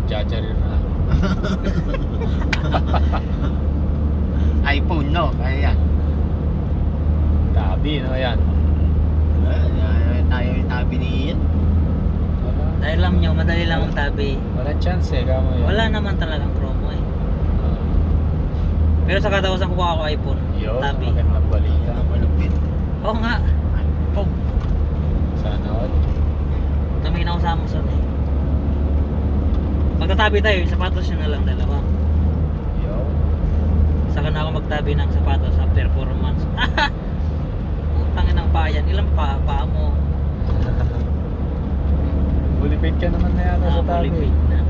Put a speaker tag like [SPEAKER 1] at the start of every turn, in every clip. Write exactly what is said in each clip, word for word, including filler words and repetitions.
[SPEAKER 1] Nagjajarir na.
[SPEAKER 2] iPhone, no? Kaya yan.
[SPEAKER 1] Tabi, no? Yan.
[SPEAKER 2] Ah, tayo yung tabi ni Ian.
[SPEAKER 1] Wala.
[SPEAKER 3] Dahil lang nyo, madali lang ang tabi.
[SPEAKER 1] Wala chance eh. Kamo yan.
[SPEAKER 3] Wala naman talagang promo eh.
[SPEAKER 1] Ah.
[SPEAKER 3] Pero sa katawasan kuha ako iPhone.
[SPEAKER 1] Yun,
[SPEAKER 3] Tabi.
[SPEAKER 1] magandang balita.
[SPEAKER 2] Ang malupit.
[SPEAKER 3] Oo nga.
[SPEAKER 2] iPhone.
[SPEAKER 1] Sana all.
[SPEAKER 3] Tumingin ako sa Amazon eh. Magtatabi tayo, yung sapatos yun na lang dalawa.
[SPEAKER 1] Yo.
[SPEAKER 3] Saka na ako magtabi ng sapatos after four months. Putangin ng payan. Ilang pa, paa mo?
[SPEAKER 1] Bulipid ka naman na yata sa
[SPEAKER 3] Ah,
[SPEAKER 1] tabi.
[SPEAKER 3] malipid na.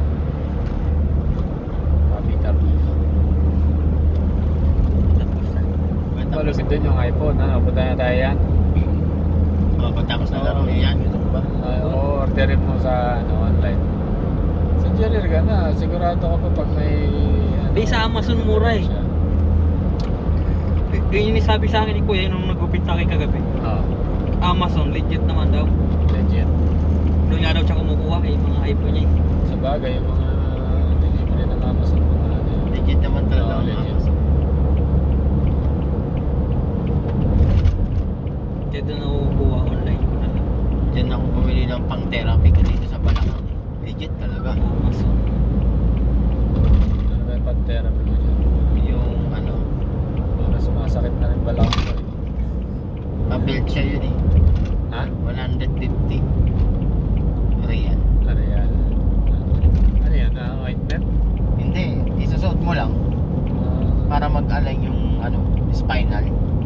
[SPEAKER 1] Tabi-tabi.
[SPEAKER 3] Tapos na.
[SPEAKER 1] Malupit din yung iPhone. Ano, punta na tayo yan.
[SPEAKER 2] Oh, pagtapos na laro, Ian. Ito ba?
[SPEAKER 1] Uh, orderin mo sa ano, online. Sa Jerir ka na. Sigurado ka pa pag may... Ano,
[SPEAKER 3] Di sa Amazon mura eh.
[SPEAKER 1] siya.
[SPEAKER 3] Yun yung sabi sa akin ni Kuya nung nag-upit sa akin kagabi.
[SPEAKER 1] Oo.
[SPEAKER 3] Amazon, legit naman daw.
[SPEAKER 1] Legit.
[SPEAKER 3] Doon nga daw siya kumukuha eh, mga iPhone niya eh.
[SPEAKER 1] Sa bagay, yung mga delivery ng Amazon. Mga ano yun.
[SPEAKER 2] Legit naman talaga.
[SPEAKER 1] Oo,
[SPEAKER 2] ang
[SPEAKER 1] legit.
[SPEAKER 2] Amazon.
[SPEAKER 3] Kaya doon ako kukuha online ko na lang.
[SPEAKER 2] Diyan ako bumili ng pang therapy ko dito sa Balakang. Legit talaga.
[SPEAKER 3] Amazon.
[SPEAKER 1] Ano ba yung pag-therapy mo dyan?
[SPEAKER 2] Yung ano,
[SPEAKER 1] Para sumasakit na rin balak ko eh.
[SPEAKER 2] pa-build siya yun eh.
[SPEAKER 1] Ha?
[SPEAKER 2] one fifty. Real.
[SPEAKER 1] Ano yan? Ano yan? Ah, ointment?
[SPEAKER 2] Hindi, isusuot mo lang
[SPEAKER 1] Ah,
[SPEAKER 2] para mag-align yung ano, spinal.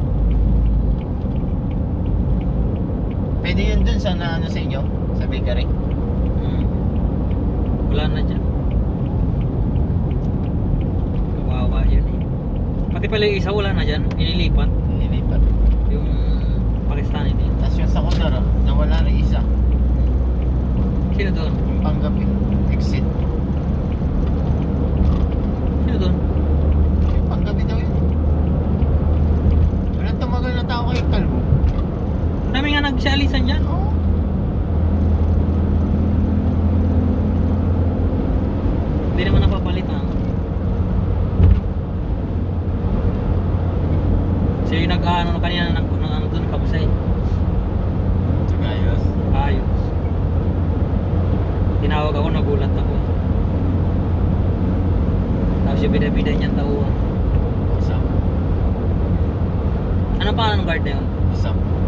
[SPEAKER 2] Pwede yun dun sa na, ano sa inyo, sa bakery.
[SPEAKER 3] Hmm. Wala na dyan. Kawawa yun eh. Pati pala yung isa wala na dyan, inilipat.
[SPEAKER 2] Nilipat.
[SPEAKER 3] Yung Pakistani din.
[SPEAKER 2] Tapos yung sa Kundara, nawala na isa.
[SPEAKER 3] Sino doon?
[SPEAKER 2] Yung panggabi, exit.
[SPEAKER 3] Sino doon?
[SPEAKER 2] Yung panggabi daw yun. Walang tumagal na tao kay Kalbo.
[SPEAKER 3] Ang dami nga nagsialisan dyan.
[SPEAKER 2] Oo.
[SPEAKER 3] Hindi naman napapalitan. Siya yung nag-ano kanina ng, ng ano doon, kabusay.
[SPEAKER 2] Sagayos.
[SPEAKER 3] Ayos. Tinawag ako, nagulat ako. Tapos yung bida-bida niyang tauhan.
[SPEAKER 2] Usap.
[SPEAKER 3] Anong pangalan ng guard na yun?
[SPEAKER 2] Usap.